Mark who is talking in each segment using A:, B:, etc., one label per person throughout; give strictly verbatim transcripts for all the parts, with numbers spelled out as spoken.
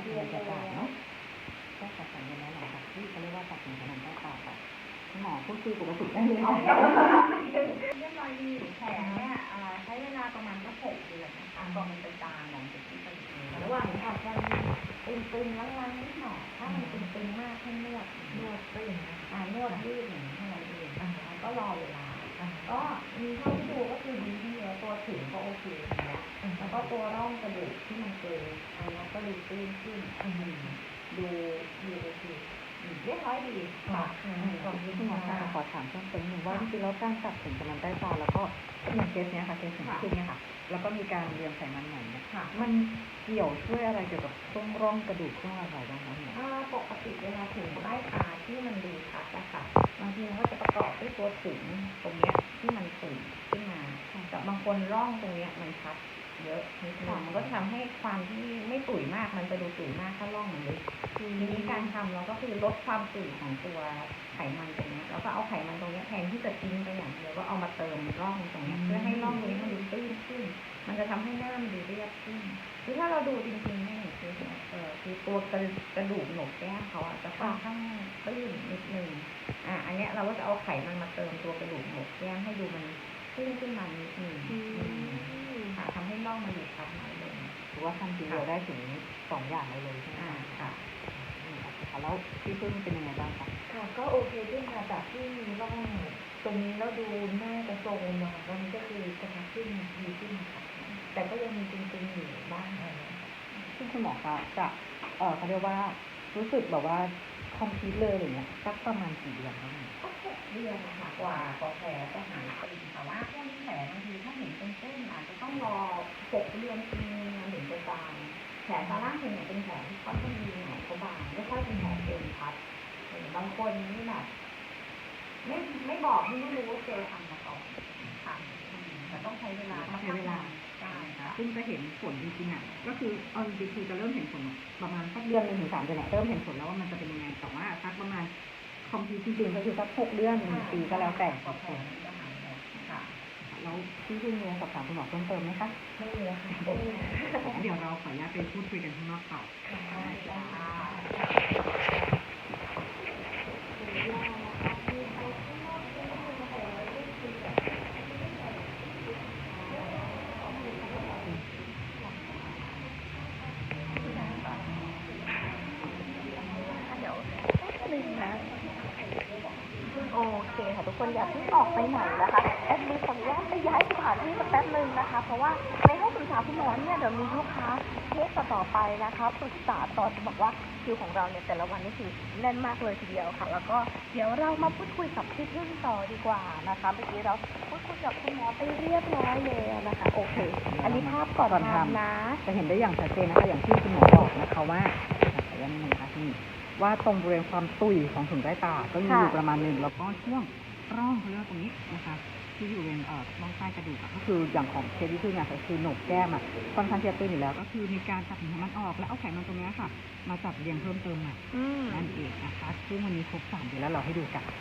A: บรรยากาศเนาะก็ตัดสัญญาณหลังจากที่เขาเรียกว่าตัดสินค้าใต้ตาค่ะหมอพูดคุยปกติได้เลย
B: เรียบร้อยดีแผลเนี่ยใช้เวลาประมาณสักหกเดือนนะคะก่อนมันจะจางหลังจากที่ผลิต
A: ระหว่างนี้อาจจะมีตึงๆล้างๆนิดหน่อยถ้ามันตึงๆมากให้นวดนวดก็อย่างนี้อ่านวดยืดอย่างนี้เท่านั้นเองก็รอเวลาก็มีเท่าที่ดูก็คือดีที่แล้วตัวถึงก็โอเคแล้วแล้วก็ตัวร่องกระดูกที่มันเกินอันนี้ก็ดูตื้นขึ้นดูดูโอเคเรียบร้อยดีค่ะขอบคุณหมอค่ะขอถามเพิ่มเติมหนึ่งว่าจริงๆแล้วการตัดสินกำลังใต้ตาแล้วก็อย่างเคสเนี้ยค่ะเคสถึงขึ้นเนี่ยค่ะแล้วก็มีการเรียงไขมันใหม่เนี่ยมันเกี่ยวช่วยอะไรเกี่ยวกับช่วงร่องกระดูกช่วงอะไรบ้างคะหมอปกติเวลาถึงใต้ตาที่มันดูชัดนะคะบางทีมันก็จะประกอบด้วยตัวถึงตรงเนี้ยที่มันตุ่มขึ้นมาแต่บางคนร่องตรงเนี้ยมันชัดเยอะนิดนึงมันก็ทำให้ความที่ไม่ตุ๋ยมากมันจะดูตุ๋ยมากถ้าร่องมันเล็กทีนี้การทำเราก็คือลดความตุ๋ยของตัวไขมันตรงนี้แล้วก็เอาไขมันตรงนี้แทนที่จะทิ้งไปอย่างเดียวก็เอามาเติมร่องตรงนี้เพื่อให้ร่องตรงนี้มันดูตื้นขึ้นมันจะทำให้หน้ามันดูเรียบขึ้นคือถ้าเราดูจริงๆเนี่ยคือเออคือตัวกระกระดูกโหนกแก้มเขาอ่ะจะค่อนข้างตื้นนิดนึงอ่ะอันเนี้ยเราก็จะเอาไขมันมาเติมตัวกระดูกโหนกแก้มให้ดูมันขึ้นขึ้นมานิดนึงค่ะทำให้ร่องมันดูชัดน้อยลงถือว่าทำทีเดียวได้ถึงสองอย่างเลยใช่ไหมคะแล้วพี่พึ่งเป็นยังไงบ้างคะค่ะก็โอเคขึ้นค่ะจากที่มีร่องตรงนี้แล้วดูหน้ากระโจมมาตอนนี้ก็คือกระชับขึ้นดีขึ้นค่ะแต่ก็ยังมีจริงๆอยู่บ้างอะไรซึ่งคุณหมอคะจะเออเขาเรียกว่ารู้สึกแบบว่าคอมพลีทเลยอย่างเงี้ยสักประมาณกี่เดือนคะก็หกเดือนนะคะกว่ากว่าแผลจะหายไปแต่ว่าพวกนี้แผลบางทีถ้าเห็นเป็นเส้นอาจจะต้องรอหกเดือนปีนึงถึงจะจางแผลตาล่างเป็นเป็นแผลที่ค่อนข้างดีหน่อยเขาบางไม่ค่อยเป็นแผลเป็นพัดบางคนนี่แบบไม่ไม่บอกไม่รู้ว่าเจอทำมาก่อนค่ะแต่ต้องใช้เวลาใช้เวลาใช่ค่ะซึ่งจะเห็นผลจริงๆอ่ะก็คือเอาจริงๆคือจะเริ่มเห็นผลประมาณสักเดือนหนึ่งถึงสามเดือนเนี่ยเริ่มเห็นผลแล้วว่ามันจะเป็นยังไงแต่ว่าสักประมาณคอมพิวจริงๆก็คือสักหกเดือนหนึ่งปีก็แล้วแต่ต่อคนค่ะแล้วพี่พึ่งมีสอบถามคุณหมอเพิ่มเติมไหมคะไม่มีค่ะเดี๋ยวเราขออนุญาตไปพูดคุยกันข้างนอกต่อ
B: โอเคค่ะทุกคนอย่าเพิ่งออกไปไหนนะคะแอดมินขออนุญาตไปย้ายสถานที่สักแป๊บนึงนะคะเพราะว่าในห้องปรึกษาคุณหมอเนี่ยเดี๋ยวมีลูกค้าเคสต่อไปนะคะปรึกษาต่อจะบอกว่าคิวของเราเนี่ยแต่ละวันนี่คือแน่นมากเลยทีเดียวค่ะแล้วก็เดี๋ยวเรามาพูดคุยกับพี่พึ่งต่อดีกว่านะคะเมื่อกี้เราพูดคุยกับคุณหมอไปเรียบร้อยแล้วนะคะโอเคอันนี้ภาพก่อนทำนะ
A: จะเห็นได้อย่างชัดเจนนะคะอย่างที่คุณหมอบอกนะคะว่าขออนุญาตนิดนึงนะคะที่ว่าตรงบริเวณความตุยของถุงใต้ตาก็มีอยู่ประมาณหนึ่งแล้วก็ช่วงร่องเขาเรียกตรงนี้นะคะที่อยู่บริเวณเอ่อร่องใต้กระดูกก็คืออย่างของเคสที่คือเนี่ยก็คือโหนกแก้มอ่ะค่อนข้างจะตื้นอยู่แล้วก็คือมีการตัดหินมันออกแล้วเอาไขมันตรงนี้ค่ะมาจับเรียงเพิ่มเติมใหม่นั่นเองนะคะซึ่งวันนี้ครบสามเดือนแล้วเราให้ดูกัน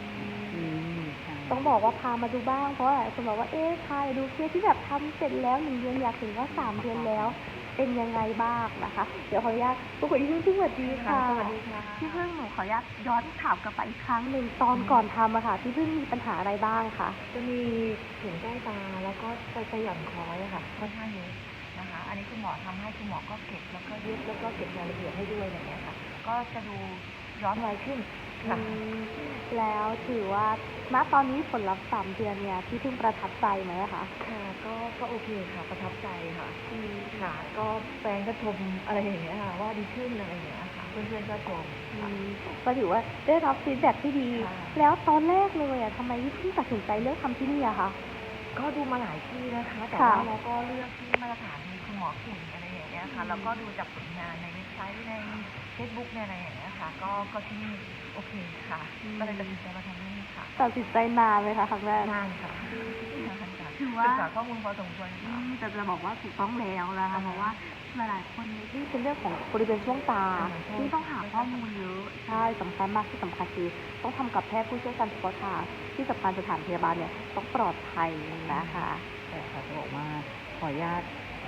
B: ต้องบอกว่าพามาดูบ้างเพราะหลายคนบอกว่าเอ๊ะพาดูเคสที่แบบทำเสร็จแล้วหนึ่งเดือนอยากถึงว่าสามเดือนแล้วเป็นยังไงบ้างนะคะเดี๋ยวขออนุญาตพูดคุยที่พึ่งสวัสดีค่ะสวัสดีค่ะพี่พึ่งหนูขออนุญาตย้อนถามกลับไปอีกครั้งหนึ่งตอนก่อนทำอะค่ะพี่พึ่งมีปัญหาอะไรบ้างคะ
C: จะมีถุงใต้ตาแล้วก็จะจะหย่อนคล้อยค่ะค่อนข้างเยอะนะคะอันนี้คุณหมอทำให้คุณหมอก็เก็บแล้วก็ยึดแล้วก็เก็บรายละเอียดให้ด้วยอย่างเงี้ยค่ะก็จะดูย้อนวัยขึ้นค่ะ
B: แล้วถือว่าณตอนนี้ผลลัพธ์สามเดือนเนี่ยพี่พึ่งประทับใจไหมคะ
C: ค่ะก็ก็โอเคค่ะประทับใจค่ะค่ะก็แฟนก็ชมอะไรอย่างเงี้ยค่ะว่าดีขึ้นอะไรอย่างเงี้ยค่ะเพื่อนๆก็ชม
B: ก็ถือว่าได้รับฟีดแบ็กที่ดีแล้วตอนแรกเลยอ่ะทำไมพี่พึ่งตัดสินใจเลือกทำที่นี่อะคะ
C: ก็ดูมาหลายที่นะคะแต่ว่าเราก็เลือกที่มาตรฐานมีคุณหมอเก่งอะไรอย่างเงี้ยค่ะแล้วก็ดูจากผลงานในเว็บไซต์ในเฟซบุ๊กในอะไรอย่างเงี้ยค่ะก็ก็ที่นี่โอเคค่ะก็เลยตัดสินใจมาทำที่นี่ค่ะ
B: ตัดสินใจนานเลยค่ะครั้งแรก
C: นานค่ะ
B: ถือว่า
C: ศึกษาข้อมูลพอสมควรค่ะ
B: แต่จะบอกว่าถูกต้องแล้วนะคะเพราะว่าหลายๆคนที่เป็นเรื่องของบริเวณช่วงตาที่ต้องหาข้อมูลเยอะใช่สำคัญมากที่สำคัญคือต้องทำกับแพทย์ผู้เชี่ยวชาญเฉพาะทางที่สำคัญสถานพยาบาลเนี่ยต้องปลอดภัยนะคะ
A: แต่ค่ะจะบอกว่าขออนุญาต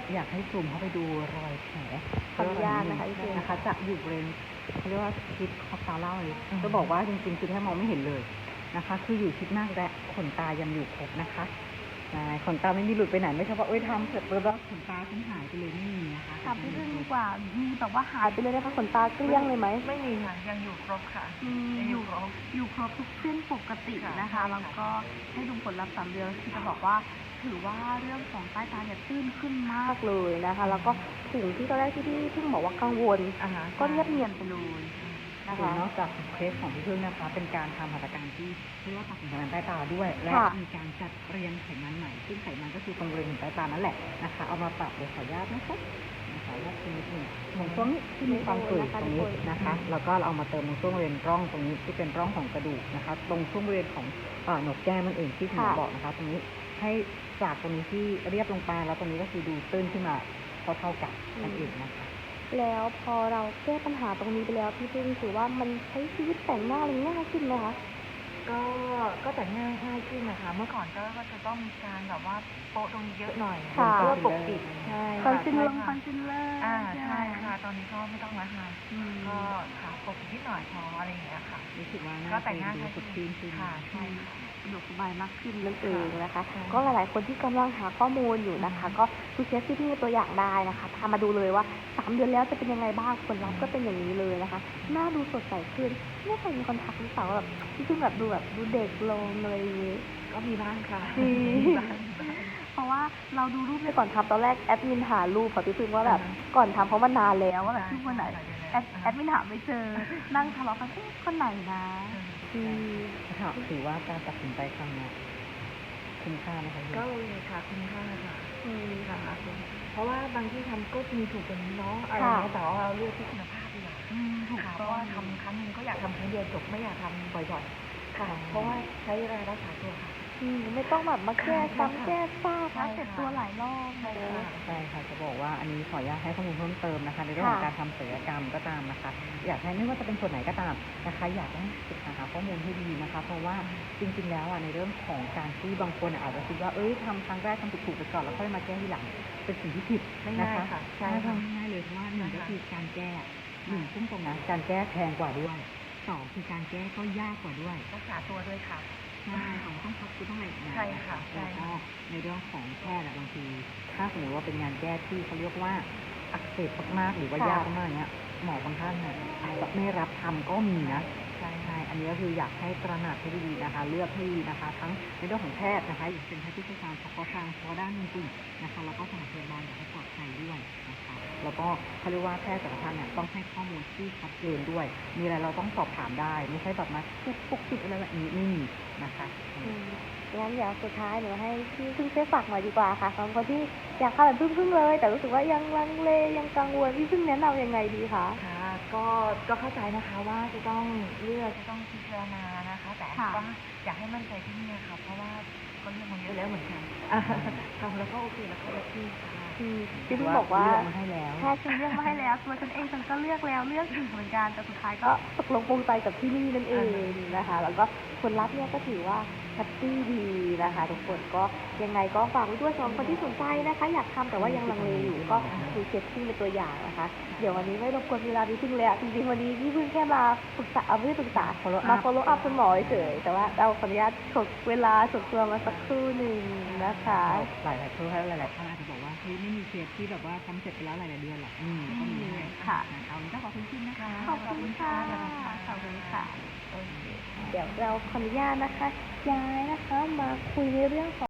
D: อยากให้ซูมเข้าไปดูรอยแผล
B: ขออนุญาตนะคะพี่เจน
D: นะคะจะอยู่บริเวณเขาเรียกว่าชิดขอบตาเล่าเลยจะบอกว่าจริงๆคือแทบมองไม่เห็นเลยนะคะ คืออยู่ชิดมากและขนตายังอยู่ครบนะคะใช่ขนตาไม่มีหลุดไปไหนไม่ใช่ว่าเอ้ยทำเสร็จแล้วขนตาฉันหายไปเลยไม่มีนะคะ
B: ถามพี่พึ่งดีกว่ามีแบบว่าหายไปเลยนะคะขนตาเกลี้ยงเลยไหม
C: ไม่มีค่ะยังอยู่ครบค่ะ
B: อืม
C: ยัง
B: อ
C: อยู่ ยู่ครบ
B: อยู่ครบทุกเส้นปกติ
C: ค่ะ
B: นะคะ แล้วก็ให้ดูผลลัพธ์สามเดือนคือจะบอกว่า ถือว่าเรื่องของใต้ตาเนี่ยตื้นขึ้นมากเลยนะคะ แล้วก็สิ่งที่ตอนแรกที่พี่เพิ่งบอกว่ากังวล
C: อ่าฮะ
B: ก็เงียบเงียบไปเลยนะ
D: คื
B: คะ
D: อนอกจากเคสของพี่พึ่งนะคะ เป็นการทำหัตถการที่เรียกว่าตัดไขมันใต้ตาด้วย และ
B: ค่ะ
D: มีการจัดเรียงไขมันใหม่ ซึ่งไขมันก็คือตรงบริเวณใต้ตานั่นแหละนะคะ เอามาปรับเดี๋ยวขออนุญาตนะคะนะคะว่าคือนิดหนึ่งตรงช่วงนี้ที่มีความกรีดตรงนี้นะคะ แล้วก็เราเอามาเติมตรงช่วงบริเวณร่องตรงนี้ที่เป็นร่องของกระดูกนะคะ ตรงช่วงบริเวณของเอ่อหนกแก้มมันเองที่คุณหมอบอกนะคะ ตรงนี้ให้จากตรงนี้ที่เรียบลงไปแล้วตรงนี้ก็คือดูตื้นขึ้นมาเท่าๆกันนั่นเองนะคะ
B: แล้วพอเราแก้ปัญหาตรงนี้ไปแล้วพี่พึ่งถือว่ามันใช้ชีวิตแต่งหน้าอะไรง่ายขึ้นไหมคะ
C: ก็ก็แต่งง่ายง่ายขึ้นนะคะ เมื่อก่อนก็ก็จะต้องมีการแบบว่าโปะตรงนี้เยอะหน่อย
B: ค่ะ
C: เพื่อปกปิดใช่
B: คอนซีลเลอร์
C: ใช่
B: คอนซีลเลอร์
C: อ่าใช่ค่ะ ตอนนี้ก็ไม่ต้องแล้วค่ะ
B: อืม
C: ก็ค่ะปกปิดนิดหน่อยพออะไรอย่างเงี้ยค่ะ
D: รู้สึกว่าหน้า
C: ก็แต่งหน้า
D: ดู
C: ง่าย
D: สดชื่นขึ้น
C: ค่ะใช่ค่ะ
B: สะดวกสบายมากขึ้นนั่นเองนะคะ
C: ใช่
B: ก็หลาย ๆ คนที่กำลังหาข้อมูลอยู่นะคะ ก็ดูเคสที่พี่ตัวอย่างได้นะคะพามาดูเลยว่าสามเดือนแล้วจะเป็นยังไงบ้างผลลัพธ์ก็เป็นอย่างนี้เลยนะคะ หน้าดูสดใสขึ้นไม่เคยมีคนทักหรือเปล่าว่าแบบพี่พึ่งแบบดูแบบดูเด็กลงเลย
C: ก็มีบ้างค่ะ
B: จริง
C: มีบ้าง
B: เพราะว่าเราดูรูปในก่อนทำตอนแรกแอดมินหารูปค่ะพี่พึ่งว่าแบบก่อนทำเพราะมันนานแล้วว่าแบบรูปคนไหนแอดแอดมินหาไม่เจอนั่งทะเลาะกันเอ๊ะคนไหนนะอืม
D: ค่ะถือว่าการตัดสินใจครั้งเนี้ยคุ้มค่าไหมคะพี่
C: ก็เลยค่ะคุณค่าค่ะ
B: อืม
C: ค่ะเพราะว่าบางที่ทำก็มีถูกกันเนาะอะไร
B: ค่ะ
C: เงี้ยแต่ว่าเราเลือกที่คุณภาพดีกว่า
B: อืมถูก
C: ค่ะเพ
B: ต้อ
C: ราะ
B: ง
C: ว่าทำครั้งหนึงก็อยากทำครั้งเดียวจบไม่อยากทำบ่อยๆ ค่ะ เพราะว่าใช้เวลารักษาตัวค่ะ
B: อืมไม่ต้องแบบมาแก้
C: ใช่
B: ซ้ำ
C: ค่ะ
B: แก้ซาก
C: ใช่
B: นะ
C: ค่ะ
B: เจ็บตัวหลายรอบ
C: ใช่ค่ะ
D: ใช่ค่ะจะบอกว่าอันนี้ขออนุญาตให้ข้อมูลเพิ่มเติมนะคะ ในเรื่องของ
B: ค่ะ
D: การทำศัลยกรรมก็ตามนะคะ อยากให้ไม่ว่าจะเป็นส่วนไหนก็ตามนะคะ อยากให้ศึกษาหาข้อมูลให้ดีนะคะ เพราะว่าจริงๆแล้วอ่ะในเรื่องของการที่บางคนอ่ะอาจจะคิดว่าเอ้ยทำครั้งแรกทำถูกๆไปก่อนแล้วค่อยมาแก้ทีหลังเป็นสิ่งที่ผิด
C: ไม่
D: นะ
C: ง่าย
D: คะ
C: ค่ะใช่
D: ใช่
C: ค่ะ
D: ทำง่ายเลยเพราะว่าหนึ่ง
C: ใช่
D: ก็
C: ค่ะ
D: คือการแก้หนึ่งซึ่งตรงนั้นการแก้แพงกว่าด้วยสองคือการแก้ก็ยากกว่าด้วย
C: รักษาตัวด้วยค่ะ
D: ใช่ของต้องพักคือต้องอะไรอีกนาน
C: ใช่ค่ะใช่
D: แล้วก็
C: ค่ะ
D: ในเรื่องของแพทย์อะบางที ถ้าสมมติว่าเป็นงานแก้ที่เขาเรียกว่าอักเสบมากๆหรือว่า
B: ค่ะ
D: ยากมากๆเนี้ยหมอบางท่านเนี่ยอาจจะไม่รับทำก็มีนะ
C: ใช่
D: ใช่อันนี้ก็คืออยากให้ตระหนักให้ดีๆนะคะ เลือกให้ดีนะคะ ทั้งในเรื่องของแพทย์นะคะอย่างเป็นแพทย์ที่เชี่ยวชาญเฉพาะทางเฉพาะด้านจริงๆนะคะแล้วก็สถานพยาบาลอยากให้ปลอดภัยด้วยนะคะแล้วก็เขาเรียกว่าแพทย์แต่ละท่านเนี่ยต้องให้ข้อมูลที่ชัดเจนด้วย มีอะไรเราต้องสอบถามได้ ไม่ใช่แบบมาเก็บปกปิดอะไรแบบนี้ไม่มีนะคะ
B: อืมงั้นเดี๋ยวสุดท้ายหนูให้พี่พึ่งช่วยฝากหน่อยดีกว่าค่ะสำหรับคนที่อยากเข้าแบบพึ่งๆเลย แต่รู้สึกว่ายังลังเลยังกังวลพี่พึ่งแนะนำยังไงดีคะ
C: ค่ะ ก็ก็เข้าใจนะคะว่าจะต้องเลือกจะต้องพิจารณานะคะ แต่
B: ค่ะ
C: ก็อยากให้มั่นใจที่นี่ค่ะ เพราะว่าก็เลือกมาเยอะแล้วเหมือนกันทำแล้วก็โอเคแล้วก็แฮปปี้ค่ะ
B: อืมพี่พึ่งบอกว่า
D: เลือกมาให้แล้ว
B: แค่ฉันเลือกมาให้แล้วตัวฉันเองฉันก็เลือกแล้วเลือกอีกเหมือนกันแต่สุดท้ายก็ตกลงปรงใจกับที่นี่นั่นเองนะคะ แล้วก็ผลลัพธ์เนี่ยก็ถือว่าแฮปปี้ดีนะคะ ทุกคนก็ยังไงก็ฝากไว้ด้วยสำหรับคนที่สนใจนะคะ อยากทำแต่ว่ายังลังเลอยู่ก็ดูเคสที่เป็นตัวอย่างนะคะ เดี๋ยววันนี้ไม่รบกวนเวลาพี่พึ่งเลยอะจริงๆวันนี้พี่พึ่งแค่มาปรึกษาเอาไม่ได้ปรึกษา
D: follow up
B: มา follow up คุณหมอเฉยๆแต่ว่าเราขออนุญาตฉกเวลาฉกตัวมาสักครู่หนึ่งนะคะ
D: หลายหลายๆคนหลายหลายๆท่านอาจจะบอกว่าเฮ้ยไม่มีเคสที่แบบว่าทำเสร็จไปแล้วหลายๆเดือนหรอกอืมก็มีให้
B: ค่ะ
D: นะคะวันนี้ก็ขอบคุณขึ้นนะคะ
B: ขอบคุณค่ะ ขอบคุณค่ะ
C: โอเค
B: เดี๋ยวเราขออนุญาตนะคะ ย้ายนะคะมาคุยในเรื่องของ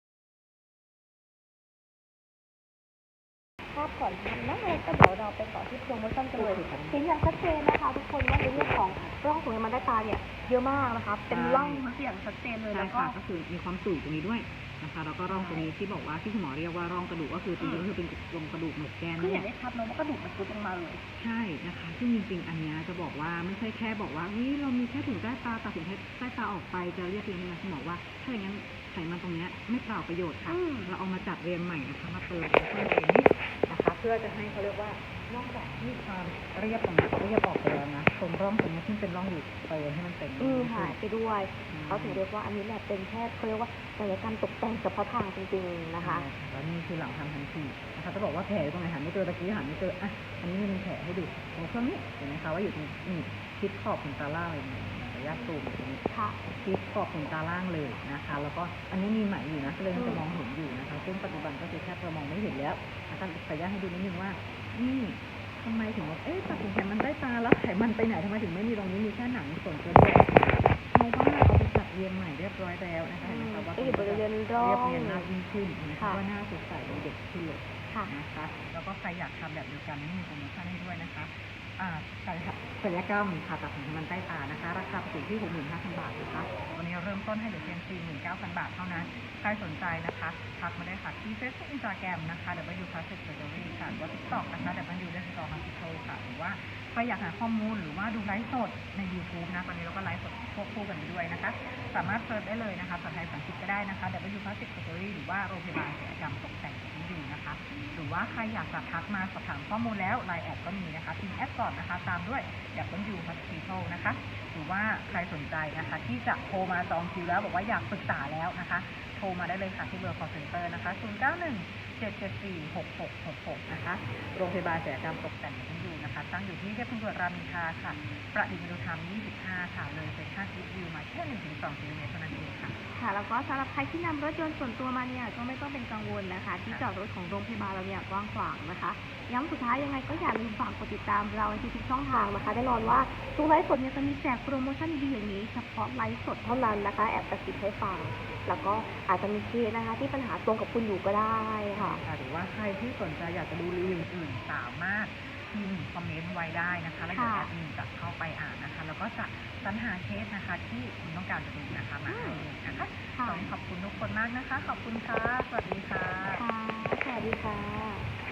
B: ภาพก่อนทำนะแล้วก็เดี๋ยวเราไปต่อที่โปรโมชั่นกันเลยเห็นอย่างชัดเจนนะคะ ทุกคนว่าในเรื่องของร่องตรงนี้มันได้ตาเนี่ยเยอะมากนะคะ เป็นร่องมันอย่างชัดเจนเลย
D: ใช่
B: แล้วก็
D: ค่ะก็คือมีความสูงตรงนี้ด้วยนะคะแล้วก็ร่องตรงนี้ที่บอกว่าที่คุณหมอเรียกว่าร่องกระดูกก็คือจริงๆก็คือเป็นตรงกระดูกหนกแก้ม
B: คือ
D: นี่
B: เห็
D: แห
B: น
D: ละ
B: ได้ชัดเนอะว่ากระดูกมันซุดลงมาเลย
D: ใช่นะคะซึ่งจริงๆ อันเนี้ยจะบอกว่าไม่ใช่แค่บอกว่าเฮ้ยเรามีแค่ถุงใต้ตาตัดถุงใต้ตาออกไปจะเรียกเรียงนะคุณหมอว่าถ้าอย่างนั้นไขมันตรงเนี้ยไม่เปล่าประโยชน์ค่ะ
B: อืม
D: เราเอามาจัดเรียงใหม่นะคะมาเติมในช่วงบริเวณนี้นะคะ เพื่อจะให้เขาเรียกว่านอกจากที่ความเรียบตรงนี้เรียบออกไปแล้วนะตรงร่องตรงนี้ที่เป็นร่องอยู่เติมให้มันเต็ม
B: อืมหายไปด้วยเขาถึงเรียกว่าอันนี้แหละเป็นแค่เขาเรียกว่าศัลยกรรมตกแต่งเฉพาะทางจริงๆนะคะ
D: แล้วนี่คือหลังทำทันทีนะคะจะบอกว่าแผลตรงไหนหาไม่เจอตะกี้หาไม่เจออ่ะอันนี้มีแผลให้ดูตรงช่วงนี้เห็นไหมคะว่าอยู่ตรงนี่ชิดขอบขนตาล่างเลยเนี่ยขออนุญาตซูมตรงนี้
B: ค่ะ
D: ชิดขอบขนตาล่างเลยนะคะ แล้วก็อันนี้มีไหมอยู่นะก็เลยมันจะมองเห็นอยู่นะคะซึ่งปัจจุบันก็คือแทบจะมองไม่เห็นแล้วนะคะขออนุญาตให้ดูนิดนึงว่านี่ทำไมถึงว่าเอ๊ะตัดสินใจมันได้ตาแล้วไขมันไปไหนทำไมถึงไม่มีตรงนี้มีแค่หนังส่วนเกินแค่เพราะว่าเอาไปจัดเรียงใหม่เรียบร้อยแล้วนะคะเห็นไหมคะว่า
B: ก็อยู่บริเวณร่อง
D: เรียบเนียนมากยิ่งขึ้นนะคะ
B: ค่ะ
D: ว่าหน้าสดใสดูเด็กขึ้นเลย
B: ค่ะ
D: นะคะแล้วก็ใครอยากทำแบบเดียวกันนี่มีโปรโมชั่นให้ด้วยนะคะอ่าศัลยกรรมผ่าตัดไขมันใต้ตานะคะราคาปกติที่ หกหมื่นห้าพัน บาทนะคะวันนี้เริ่มต้นให้เหลือเพียง สี่หมื่นเก้าพัน บาทเท่านั้นใครสนใจนะคะทักมาได้ค่ะที่ Facebook Instagram นะคะ ดับเบิลยู Plastic Surgery ค่ะหรือว่า TikTok นะคะ ดับเบิลยู Dental Hospital ค่ะหรือว่าใครอยากหาข้อมูลหรือว่าดูไลฟ์สดใน YouTube นะตอนนี้เราก็ไลฟ์สดควบคู่กันไปด้วยนะคะสามารถเซิร์ชได้เลยนะคะภาษาไทยภาษาอังกฤษก็ได้นะคะ ดับเบิลยู Plastic Surgery หรือว่าโรงพยาบาลศัลยกรรมตกแต่งที่ดีนะคะหรือว่าใครอยากจะทักมาสอบถามข้อมูลแล้วไลน์แอดก็มีนะคะพิมพ์แอดก่อนนะคะตามด้วย ดับเบิลยู Hospital นะคะหรือว่าใครสนใจนะคะที่จะโทรมาจองคิวแล้วบอกว่าอยากปรึกษาแล้วนะคะโทรมาได้เลยค่ะที่เบอร์ call center นะคะศูนย์ เก้า หนึ่ง เจ็ด เจ็ด สี่ หก หก หก หกนะคะโรงพยาบาลศัลยกรรมตกแต่งที่อยู่นะคะตั้งอยู่ที่เทพบุตรรามอินทราค่ะประดิษฐ์มนุธรรมยี่สิบห้าค่ะเลยเซ็นทรัลอีสต์วิวมาแค่ หนึ่งถึงสอง กิโลเมตรเท่านั้นเองค่ะ
B: ค่ะ แล้วก็สำหรับใครที่นำรถยนต์ส่วนตัวมาเนี่ยก็ไม่ต้องเป็นกังวลนะคะ ที่จอดรถของโรงพยาบาลเราเนี่ยกว้างขวางนะคะย้ำสุดท้ายยังไงก็อย่าลืมฝากกดติดตามเราในทุกๆช่องทางนะคะแน่นอนว่าทุกไลฟ์สดเนี่ยจะมีแจกโปรโมชั่นดีๆอย่างนี้เฉพาะไลฟ์สดเท่านั้นนะคะแอบกระซิบให้ฟังแล้วก็อาจจะมีเคสนะคะที่ปัญหาตรงกับคุณอยู่ก็ได้ค่ะ
D: หรือว่าใครที่สนใจอยากจะดูรีวิวอื่นๆสามารถพิมพ์คอมเมนต์ไว้ได้นะคะแล้วเดี๋ยวแอดมินจะเข้าไปอ่านนะคะแล้วก็จะสรรหาเคสนะคะที่คุณต้องการจะดูนะคะมาให้ดูนะคะตอนนี้ขอบคุณทุกคนมากนะคะขอบคุณค่ะสวัสดีค่ะ
B: ค่ะ สวัสดีค่ะ